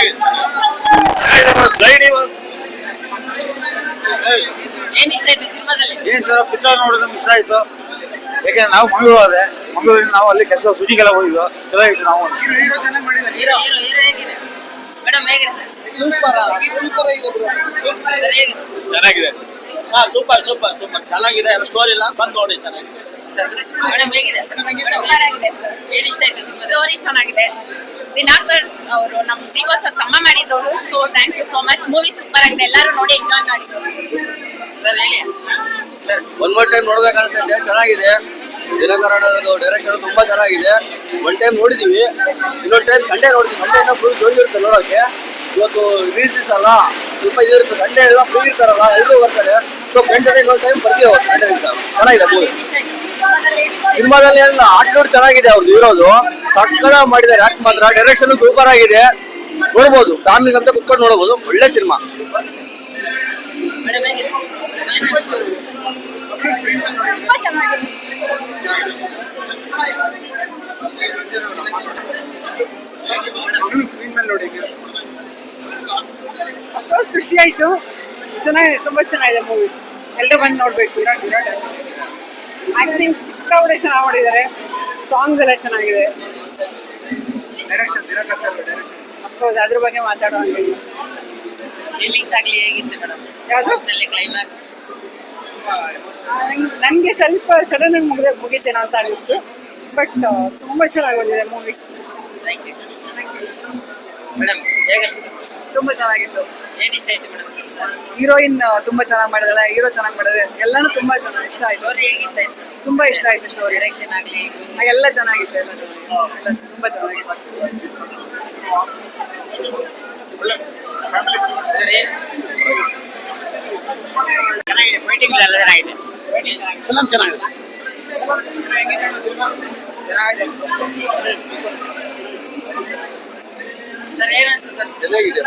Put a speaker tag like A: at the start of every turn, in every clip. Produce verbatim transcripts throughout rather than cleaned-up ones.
A: ಏನ್ ಇಷ್ಟ ಆಯ್ತು ಸಿನಿಮಾದಲ್ಲಿ?
B: ಏನ್ ಸರ್ ಪಿಕ್ಚರ್ ನೋಡೋದು ಇಷ್ಟ ಆಯ್ತು. ಯಾಕಂದ್ರೆ ನಾವು ಮಂಗಳೂರು ಅದೇ ಮಂಗಳೂರಿನ ನಾವು ಅಲ್ಲಿ ಕೆಲಸ ಶೂಟಿಂಗ್ ಎಲ್ಲ ಹೋಗಿದ್ವು. ಚೆನ್ನಾಗಿತ್ತು. ನಾವು
A: ಹೀರೋ ಹೀರೋ ಹೀರೋ ಹೇಗಿದೆ ಮೇಡಮ್? ಹೇಗಿದೆ?
C: ಸೂಪರ್ ಸೂಪರ್ ಆಗಿದೆ.
B: ಚೆನ್ನಾಗಿದೆ.
C: ಹಾ ಸೂಪರ್ ಸೂಪರ್ ಸೂಪರ್ ಚೆನ್ನಾಗಿದೆ. ಸ್ಟೋರಿ ಇಲ್ಲ ಬಂದ್ ನೋಡಿ ಚೆನ್ನಾಗಿದೆ.
A: ಮೇಡಮ್ ಹೇಗಿದೆ? ಚೆನ್ನಾಗಿದೆ ಸರ್. ಏನ್ ಇಷ್ಟ ಆಯ್ತು? ಸ್ಟೋರಿ ಚೆನ್ನಾಗಿದೆ. ದಿನಾಕರ್ ಅವರು ನಮ್ ದಿವಸ ತಮ್ಮ ಮಾಡಿದವರು. So thank you so much. Movie super ಆಗಿದೆ. ಎಲ್ಲರೂ ನೋಡಿ ಎಂಜಾಯ್ ಮಾಡಿದ್ರು. ಸರ್ ಹೇಳಿ
C: ಸರ್ ಒನ್ ಮೋರ್ ಟೈಮ್ ನೋಡ್ಬೇಕು ಅನ್ಸುತ್ತೆ. ಚೆನ್ನಾಗಿದೆ. ದಿನಕರನದು ಡೈರೆಕ್ಷನ್ ತುಂಬಾ ಚೆನ್ನಾಗಿದೆ. ಒನ್ ಟೈಮ್ ನೋಡಿದೀವಿ, ಇನ್ನೊಂದು ಟೈಮ್ ಸಂಡೇ ನೋಡ್ತೀವಿ. ಸಂಡೇ ಏನೋ ಫುಲ್ ಜೋಲಿ ಇರುತ್ತೆ ನೋಡೋಕೆ. ಇವತ್ತು ರಿಲೀಸ್ ಅಲ್ಲ ಸ್ವಲ್ಪ ಇದಿರುತ್ತೆ. ಸಂಡೇ ಎಲ್ಲ ಫ್ರೀ ಇರ್ತಾರಲ್ಲ, ಎಲ್ಲರೂ ಬರ್ತಾರೆ. ಸೊ ಫ್ರೆಂಡ್ಸ್ ಜೊತೆ ಇನ್ನೊಂದು ಟೈಮ್ ಬರ್ತೀವಿ ಅವತ್ತು ಸಂಡೇ ದಿವಸ. ಚೆನ್ನಾಗಿದೆ ಮೂವಿ. ಸಿನಿಮಾದಲ್ಲಿ ಎಲ್ಲ ಆಟೋಡ್ ಚೆನ್ನಾಗಿದೆ. ಅವ್ರು ಇರೋದು ಸಕ್ಕಳ ಮಾಡಿದ್ದಾರೆ. ಯಾಕೆ ಮಾತ್ರ ಡೈರೆಕ್ಷನ್ ಸೂಪರ್ ಆಗಿದೆ. ನೋಡ್ಬೋದು, ಫ್ಯಾಮಿಲಿ ಅಂತ ಕುತ್ಕೊಂಡು ನೋಡಬಹುದು. ಒಳ್ಳೆ ಸಿನಿಮಾ.
A: ತುಂಬಾ ಚೆನ್ನಾಗಿದೆ.
D: ಅಫ್ಕೋರ್ಸ್ ಖುಷಿ ಆಯ್ತು. ಚೆನ್ನಾಗಿದೆ, ತುಂಬಾ ಚೆನ್ನಾಗಿದೆ ಮೂವಿ. ಎಲ್ಲರೂ ಬಂದು ನೋಡ್ಬೇಕು. ಆಕ್ಟಿಂಗ್ ಸಿಕ್ಕಾಪಟ್ಟೆ ಚೆನ್ನಾಗಿ ಮಾಡಿದ್ದಾರೆ. ಸಾಂಗ್ಸ್ ಎಲ್ಲ ಚೆನ್ನಾಗಿದೆ. ಅಫ್ಕೋರ್ಸ್ ಅದ್ರ ಬಗ್ಗೆ ಮಾತಾಡುವಂಗೆ.
A: ರಿಲೀಸ್ ಆಗ್ಲಿ ಹೇಗಿತ್ತು ಮೇಡಮ್?
D: ಯಾವ್ದು?
A: ಕ್ಲೈಮ್ಯಾಕ್ಸ್
D: ನನಗೆ ಸ್ವಲ್ಪ ಸಡನ್ ಆಗಿ ಮುಗಿದ ಮುಗಿತೇನೋ ಅಂತ ಅನ್ನಿಸ್ತು. ಬಟ್ ತುಂಬಾ ಚೆನ್ನಾಗಿ ಬಂದಿದೆ ಮೂವಿ.
A: Thank you madam. ಹೇಗಿತ್ತು?
E: ತುಂಬಾ ಚೆನ್ನಾಗಿತ್ತು.
A: ಏನ್ ಇಷ್ಟ ಆಯ್ತು ಮೇಡಮ್?
E: ಹೀರೋಯಿನ್ ತುಂಬಾ ಚೆನ್ನಾಗಿ ಮಾಡಿದಾಳೆ. ಹೀರೋ ಚೆನ್ನಾಗಿ ಮಾಡಿದ್ರೆ ಎಲ್ಲಾನು ತುಂಬಾ ಚೆನ್ನಾಗಿ ಇಷ್ಟ ಆಯ್ತು.
A: ಸ್ಟೋರಿ ಹೇಗೆ ಇಷ್ಟ ಆಯ್ತು?
E: ತುಂಬಾ ಇಷ್ಟ ಆಯ್ತು ಸ್ಟೋರಿ.
A: ಡೈರೆಕ್ಷನ್ ಆಗ್ಲಿ
E: ಎಲ್ಲ ಚೆನ್ನಾಗಿತ್ತು. ಎಲ್ಲ ಚೆನ್ನಾಗಿತ್ತು. ಎಲ್ಲ ತುಂಬಾ ಚೆನ್ನಾಗಿತ್ತು.
A: ಸರ್ ಏನ್ ಚೆನ್ನಾಗಿದೆ? ಫೈಟಿಂಗ್ ಎಲ್ಲ ಚೆನ್ನಾಗಿದೆ.
B: ಫಿಲಂ ಚೆನ್ನಾಗಿದೆ.
A: ಸರ್ ಏನಂತ ಸರ್?
C: ಚೆನ್ನಾಗಿದೆ.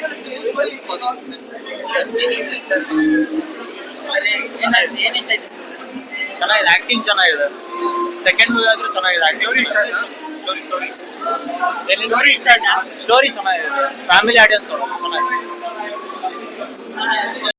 A: ಸರ್ ಏನಾಯ್ತು? ಏನ್ ಇಷ್ಟ ಆಯ್ತು?
C: ಚೆನ್ನಾಗಿದೆ. ಆಕ್ಟಿಂಗ್ ಚೆನ್ನಾಗಿದೆ. ಸೆಕೆಂಡ್ ಮೂವಿ ಆದ್ರೂ ಚೆನ್ನಾಗಿದೆ. ಆಕ್ಟಿಂಗ್
A: ಸ್ಟೋರಿ ಇಷ್ಟ ಆಯ್ತಾ?
C: ಸ್ಟೋರಿ ಚೆನ್ನಾಗಿದೆ. ಫ್ಯಾಮಿಲಿ ಆಡಿಯನ್ಸ್ ಚೆನ್ನಾಗಿದೆ.